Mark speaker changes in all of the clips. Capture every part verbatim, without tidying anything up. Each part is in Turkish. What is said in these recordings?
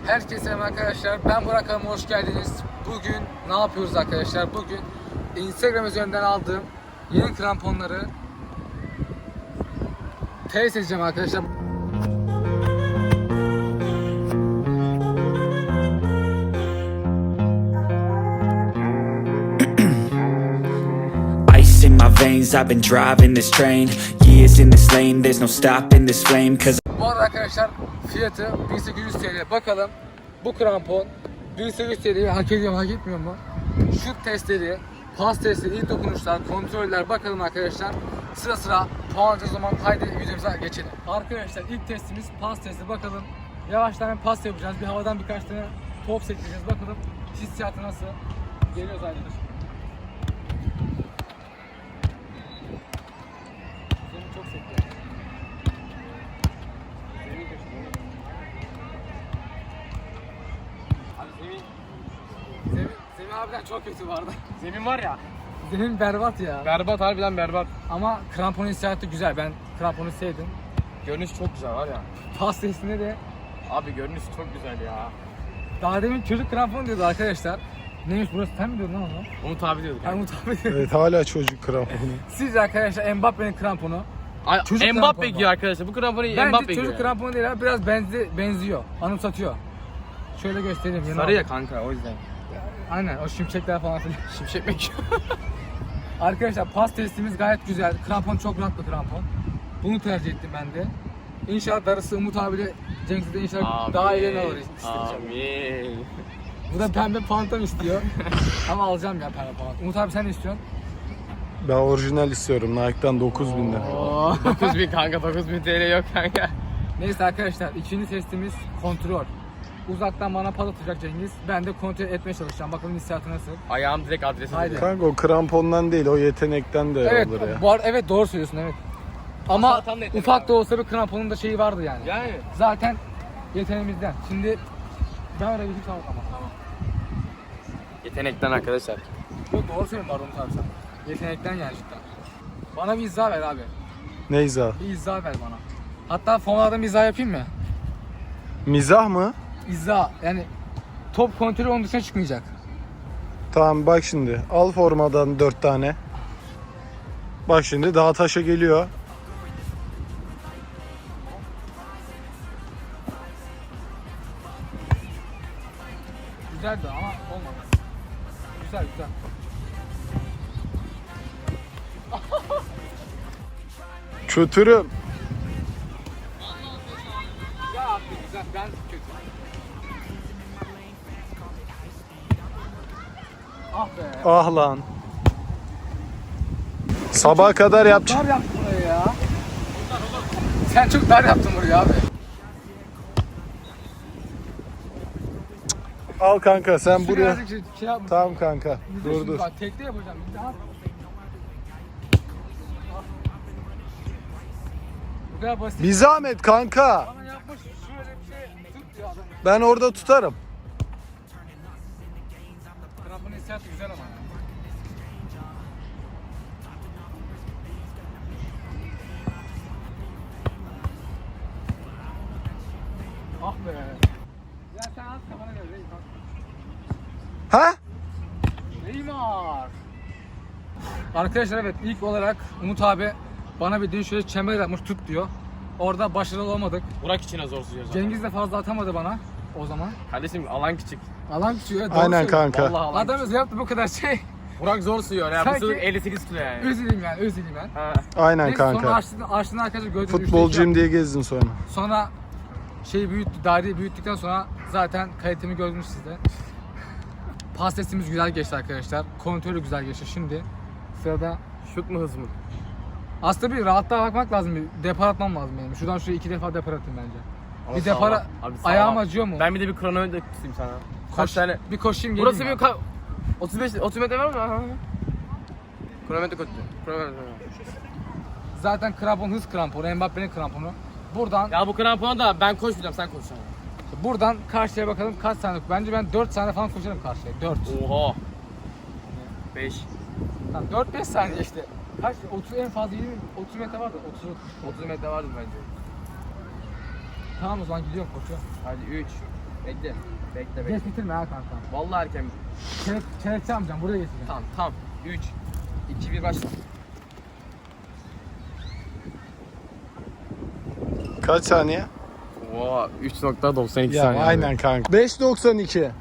Speaker 1: Herkese selam arkadaşlar. Ben Burak Hanım, hoş geldiniz. Bugün ne yapıyoruz arkadaşlar? Bugün Instagram üzerinden aldığım yeni kramponları test edeceğim arkadaşlar.
Speaker 2: Ice in my veins, I've been driving this train. Years in this lane, there's no stopping this flame. Cause
Speaker 1: Bu arada arkadaşlar fiyatı bin sekiz yüz TL. Bakalım bu krampon bin sekiz yüz TL'yi hak ediyor mu, hak etmiyor mu? Şut testleri, pas testleri, ilk dokunuşlar, kontroller, bakalım arkadaşlar. Sıra sıra puanlayacağız o zaman. Haydi videomuza geçelim. Arkadaşlar ilk testimiz pas testi. Bakalım yavaştan pas yapacağız. Bir havadan birkaç tane top sektireceğiz. Bakalım hissiyatı nasıl? Geliyoruz arkadaşlar. Zemin çok sekti. Zemin köşede. Abi zemin. Zemin, zemin harbiden çok kötü vardı.
Speaker 3: Zemin var ya.
Speaker 1: Zemin berbat ya.
Speaker 3: Berbat, harbiden berbat.
Speaker 1: Ama krampon hissiyatı güzel. Ben kramponu sevdim.
Speaker 3: Görünüş çok güzel var ya.
Speaker 1: Pas testinde de
Speaker 3: Abi görünüş çok güzel ya.
Speaker 1: daha demin çocuk krampon diyordu arkadaşlar. Neymiş burası, sen mi diyordun lan onu?
Speaker 3: Umut abi diyorduk.
Speaker 1: Ben Umut abi diyorum.
Speaker 4: Evet, hala çocuk kramponu.
Speaker 1: Sizce arkadaşlar Mbappe'nin kramponu.
Speaker 3: Ay,
Speaker 1: Çocuk
Speaker 3: Mbappe
Speaker 1: kramponu.
Speaker 3: giyiyor arkadaşlar. Bu kramponu
Speaker 1: Bence
Speaker 3: Mbappe
Speaker 1: çocuk
Speaker 3: giyiyor.
Speaker 1: kramponu değil abi, biraz benzi, benziyor. Anımsatıyor. Şöyle göstereyim. yanına
Speaker 3: Sarı ya
Speaker 1: al.
Speaker 3: kanka, o yüzden.
Speaker 1: Aynen, o şimşekler falan filan.
Speaker 3: Şimşek mi giyiyor?
Speaker 1: Arkadaşlar pas testimiz gayet güzel. Krampon çok rahat bir krampon. Bunu tercih ettim ben de. İnşallah darısı Umut abiyle Cengiz'e de inşallah daha iyilerini alır isteyeceğim.
Speaker 3: Amin.
Speaker 1: Bu da pembe pantom istiyor. Ama alacağım ya pembe pantom. Umut abi sen ne istiyorsun?
Speaker 4: Ben orijinal istiyorum. Nike'dan dokuz binden.
Speaker 1: Oo.
Speaker 3: dokuz bin kanka, dokuz bin T L yok kanka.
Speaker 1: Neyse arkadaşlar, ikinci testimiz kontrol. Uzaktan bana pas atacak Cengiz. Ben de kontrol etmeye çalışacağım. Bakalım hissiyatı nasıl?
Speaker 3: Ayağım direkt adrese
Speaker 1: Haydi.
Speaker 3: gidiyor.
Speaker 4: Kanka o krampondan değil, o yetenekten de
Speaker 1: Evet,
Speaker 4: olur ya.
Speaker 1: bu arada evet doğru söylüyorsun, evet. Ama
Speaker 3: Atan da yetenek
Speaker 1: ufak
Speaker 3: abi.
Speaker 1: da olsa bir kramponun da şeyi vardı yani.
Speaker 3: Yani.
Speaker 1: Zaten yeteneğimizden. Şimdi ben oraya gidip tamam ama. Tamam.
Speaker 3: Yetenekten arkadaşlar.
Speaker 1: Yok, doğru söylüyorsun Barun abi sen. Yetenekten yani cidden. Bana bir izah ver abi.
Speaker 4: Neyza?
Speaker 1: Bir izah ver bana. Hatta fonlardan bir izah yapayım mı?
Speaker 4: Mizah mı?
Speaker 1: İzah yani top kontrolü onun dışına çıkmayacak.
Speaker 4: Tamam bak şimdi. Al formadan dört tane. Bak şimdi daha taşa geliyor.
Speaker 1: Güzeldi ama olmadı. Güzel güzel.
Speaker 4: Kötürüm.
Speaker 1: Ya abi güzel, ben kötü. Ah be.
Speaker 4: Ah lan. Sabaha kadar yap.
Speaker 1: Dar yaptın burayı ya. Sen çok dar yaptın burayı abi.
Speaker 4: Al kanka sen buraya.
Speaker 1: Birazcık şey, şey yapma.
Speaker 4: Tamam kanka.
Speaker 1: Bir de
Speaker 4: Dur
Speaker 1: şimdi
Speaker 4: dur.
Speaker 1: Bak, tekte yapacağım. Bir daha. Bu kadar basit.
Speaker 4: Bir zahmet kanka.
Speaker 1: Bana yapmış şöyle bir şey tut diyor adam.
Speaker 4: Ben orada tutarım.
Speaker 1: Krampon hissiyatı güzel ama. Ah be. Ya sen at kafana göre Neymar.
Speaker 4: Ha?
Speaker 1: Neymar. Arkadaşlar evet, ilk olarak Umut abi bana bir dün şöyle çember yapmış, tut diyor. Orada başarılı olamadık.
Speaker 3: Burak için zor sunuyor zaten.
Speaker 1: Cengiz de fazla atamadı bana o zaman.
Speaker 3: Kardeşim alan küçük.
Speaker 1: Alan küçüğü. evet, doğru
Speaker 4: Aynen
Speaker 1: söylüyor.
Speaker 4: kanka.
Speaker 3: Vallahi alan
Speaker 1: Adamız yaptı bu kadar şey.
Speaker 3: Burak zor sunuyor ya.
Speaker 1: Sanki-
Speaker 3: Bu sınıf elli sekiz kilo yani.
Speaker 1: Üzüleyim yani, üzüleyim ben.
Speaker 3: Ha.
Speaker 4: Aynen
Speaker 1: Neyse, sonra
Speaker 4: kanka.
Speaker 1: açtığında, açtığında arkadaşlar gördüğünüz üçte iki
Speaker 4: Futbolcuyum
Speaker 1: yaptı.
Speaker 4: diye gezdin sonra.
Speaker 1: Sonra şeyi büyüttü, daireyi büyüttükten sonra zaten kalitemi gördünüz siz de. Pas testimiz güzel geçti arkadaşlar. Kontrolü güzel geçti. Şimdi sırada
Speaker 3: Şut mu hız mı?
Speaker 1: aslında bir rahatlığa bakmak lazım. Bir depar atmam lazım benim. Şuradan şuraya iki defa depar atayım bence.
Speaker 3: Ama
Speaker 1: bir
Speaker 3: sağlam.
Speaker 1: depara
Speaker 3: Abi sağlam.
Speaker 1: ayağım acıyor mu?
Speaker 3: Ben bir de bir kronometre tutayım sana. Kaç
Speaker 1: Koş-
Speaker 3: tane?
Speaker 1: Bir koşayım geleyim.
Speaker 3: Burası
Speaker 1: ya.
Speaker 3: bir ka- otuz beş otuz metre var mı? Ha. Kronometre koydu. Kronometre.
Speaker 1: Zaten krampon hız kramponu, Mbappe'nin kramponu. Buradan
Speaker 3: Ya bu krampona da ben koşmayacağım, sen koş.
Speaker 1: buradan karşıya bakalım kaç saniye. Bence ben dört saniye falan koşarım karşıya. dört.
Speaker 3: Oha. beş.
Speaker 1: Tamam, dört beş saniye işte. Kaç? otuz en fazla yirmi otuz metre vardı. otuz.
Speaker 3: otuz metre vardır bence.
Speaker 1: Tamam o zaman gidiyorum, koşuyorum.
Speaker 3: Hadi üç, Bekle. Bekle bekle.
Speaker 1: Geç bitirme ha kanka.
Speaker 3: Vallahi erken.
Speaker 1: Çelek, çelekçi amcam buraya getireceğim.
Speaker 3: Tamam tamam. üç, iki, bir başla.
Speaker 4: Kaç saniye?
Speaker 3: Oo, üç nokta doksan iki
Speaker 4: Ya
Speaker 3: saniye.
Speaker 4: aynen kanka. beş doksan iki.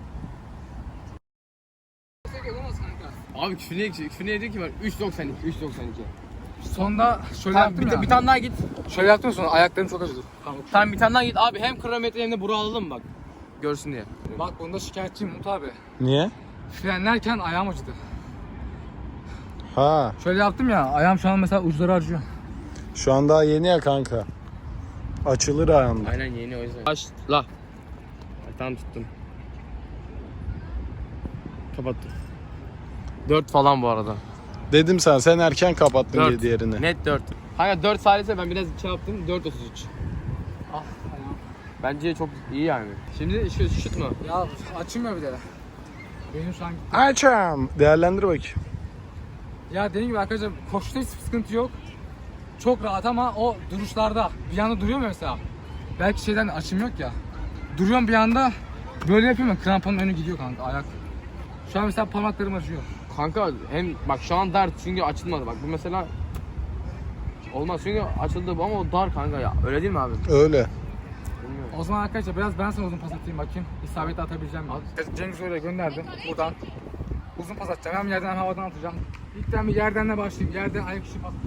Speaker 3: Abi küfür niye, küfür niye diyor ki ben? üç doksan iki, üç doksan iki.
Speaker 1: Sonda şöyle
Speaker 3: Tamam,
Speaker 1: yaptım
Speaker 3: bir,
Speaker 1: ya.
Speaker 3: bir tane daha git.
Speaker 1: Şöyle yaptım sonra ayaklarım çok acıdı. Tamam.
Speaker 3: Tamam bir tane daha git abi, hem kronometre hem de bura alalım bak. Görsün diye.
Speaker 1: Bak bunda şikayetçiyim Umut abi.
Speaker 4: Niye?
Speaker 1: Frenlerken ayağım acıdı.
Speaker 4: Ha,
Speaker 1: Şöyle yaptım ya, ayağım şu an mesela uçları acıyor.
Speaker 4: şu an daha yeni ya kanka. Açılır ayağında.
Speaker 3: Aynen yeni, o yüzden. Başla. Ay, tamam tuttum. Kapattım. dört falan bu arada.
Speaker 4: Dedim sana, sen erken kapattın diye
Speaker 3: dört.
Speaker 4: diğerini.
Speaker 3: Net dört. Hayır dört salise ben biraz şey yaptım, dört otuz üç.
Speaker 1: Ah ayağım.
Speaker 3: Bence çok iyi yani. Şimdi şu şut mu?
Speaker 1: Ya açılmıyor bir de. Benim şu an...
Speaker 4: Açam. Değerlendir bakayım.
Speaker 1: Ya dediğim gibi arkadaşlar koşuda hiç sıkıntı yok. Çok rahat ama o duruşlarda bir anda duruyor mu mesela? Belki şeyden açım yok ya. Duruyorum bir anda böyle yapıyorum ya, kramponun önü gidiyor kanka ayak. Şu an mesela parmaklarım acıyor.
Speaker 3: Kanka hem bak şu an dar çünkü açılmadı, bak bu mesela olmaz çünkü açıldı bu ama o dar kanka ya, öyle değil mi abi?
Speaker 4: Öyle.
Speaker 3: Bilmiyorum.
Speaker 1: O zaman arkadaşlar biraz ben sana uzun pas atayım bakayım. İsabeti atabileceğim mi? Cengiz öyle gönderdi buradan. Uzun pas atacağım, hem yerden hem havadan atacağım. İlkten bir yerdenle başlayayım. Yerden ayak içi pas.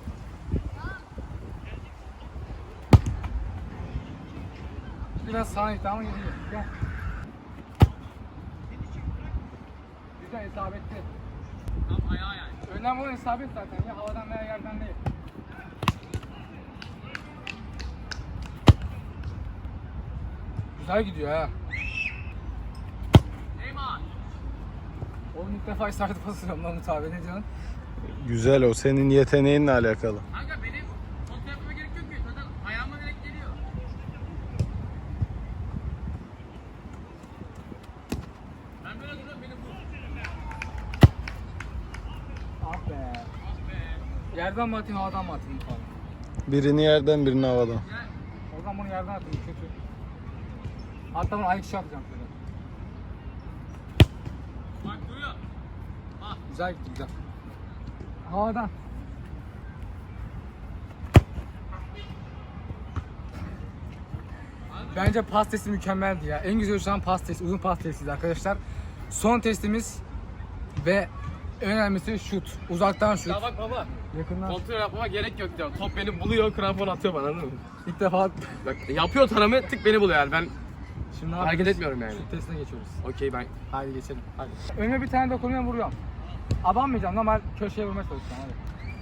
Speaker 1: Biraz sağa itti ama gidiyor. Gel. Güzel isabetli. Tam ayağa yani. Önemli olan isabet zaten ya, havadan veya yerden değil. Güzel gidiyor ha. Eyman. Oğlum ilk defa isabet pas atıyorum lan Umut abi, ne diyorsun?
Speaker 4: Güzel, o senin yeteneğinle alakalı.
Speaker 3: Kanka benim kontrol yapmama gerek yok ki, zaten ayağıma direkt geliyor. Ben böyle duruyorum, beni vur.
Speaker 1: Ah be. Yerden mi atayım havadan mı atayım Umut abi?
Speaker 4: Birini yerden, birini havadan.
Speaker 1: O zaman bunu yerden atayım, kötü. Hatta bunu ayak içi atacağım şöyle.
Speaker 3: Bak duruyor.
Speaker 1: Güzel gitti, güzel. Havadan. Bence pas testi mükemmeldi ya. En güzel şu an pas testi, uzun pas testiydi arkadaşlar. Son testimiz ve en önemlisi şut. Uzaktan şut.
Speaker 3: Ya bak baba,
Speaker 1: Yakından.
Speaker 3: kontrol yapmama gerek yok diyor. Top beni buluyor, krampon atıyor bana, anladın mı?
Speaker 1: İlk defa
Speaker 3: Bak yapıyor tanımı, tık beni buluyor yani, ben
Speaker 1: şimdi ne
Speaker 3: hareket
Speaker 1: yapıyoruz?
Speaker 3: etmiyorum yani.
Speaker 1: Şut testine geçiyoruz.
Speaker 3: Okey ben.
Speaker 1: Hadi geçelim. Hadi. Önüme bir tane dokunuyorum, vuruyorum. Abanmayacağım, normal köşeye vurmaya çalışacağım. Hadi.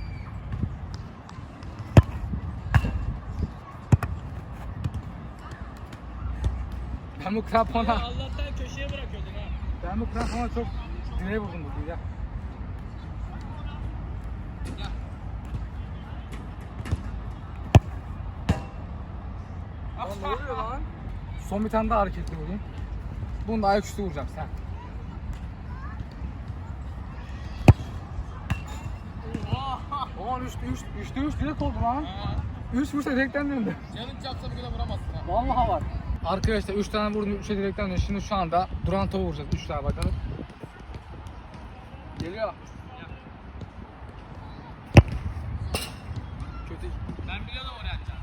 Speaker 1: Ben bu krampona...
Speaker 3: Allah'tan köşeye bırakıyordun ha.
Speaker 1: Ben bu krampona çok direğe vurdum bugün ya. Lan ne oluyor lan? Son bir tane daha hareketli vurayım. Bunu da ayak üstü vuracağım sen. Oha! üçte üç, üçte üç direkt oldu lan. üç vursa direkten döndü.
Speaker 3: Canın çapsa bir kadar vuramazsın ha.
Speaker 1: Vallahi var. Arkadaşlar üç tane vurdum, üçe direkten döndü. Şimdi şu anda duran topu vuracağız. üç tane bakalım. Geliyor. Kötü.
Speaker 3: Ben biliyordum oraya atacağım.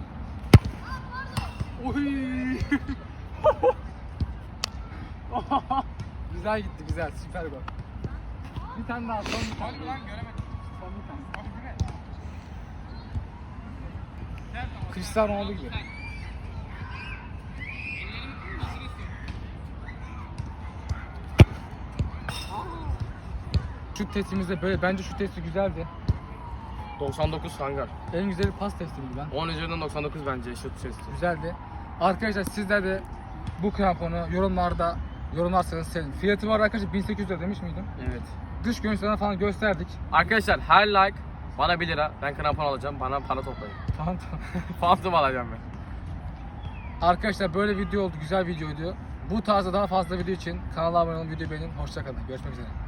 Speaker 1: Oy! Güzel gitti, güzel, süper gol. Bir tane daha, son bir tane.
Speaker 3: Hadi lan göremedim.
Speaker 1: Son bir tane.
Speaker 3: Hadi güne.
Speaker 1: Cristiano Ronaldo gibi. Şut testimizde böyle, bence şut testi güzeldi.
Speaker 3: doksan dokuz kanka.
Speaker 1: En güzeli pas testiydi ben.
Speaker 3: on üzerinden doksan dokuz bence şut sesi.
Speaker 1: Güzeldi. Arkadaşlar sizler de bu kramponu yorumlarda yorumlarsanız sevinirim. Fiyatı var arkadaşlar, bin sekiz yüz lira demiş miydim?
Speaker 3: Evet.
Speaker 1: Dış görünüşlerine falan gösterdik.
Speaker 3: Arkadaşlar her like bana bir lira. Ben krampon alacağım. Bana para toplayın.
Speaker 1: Tamam tamam.
Speaker 3: Phantom alacağım ben.
Speaker 1: Arkadaşlar böyle video oldu, güzel videoydu. Bu tarzda daha fazla video için kanala abone olun, videoyu beğenin. Hoşça kalın. Görüşmek üzere.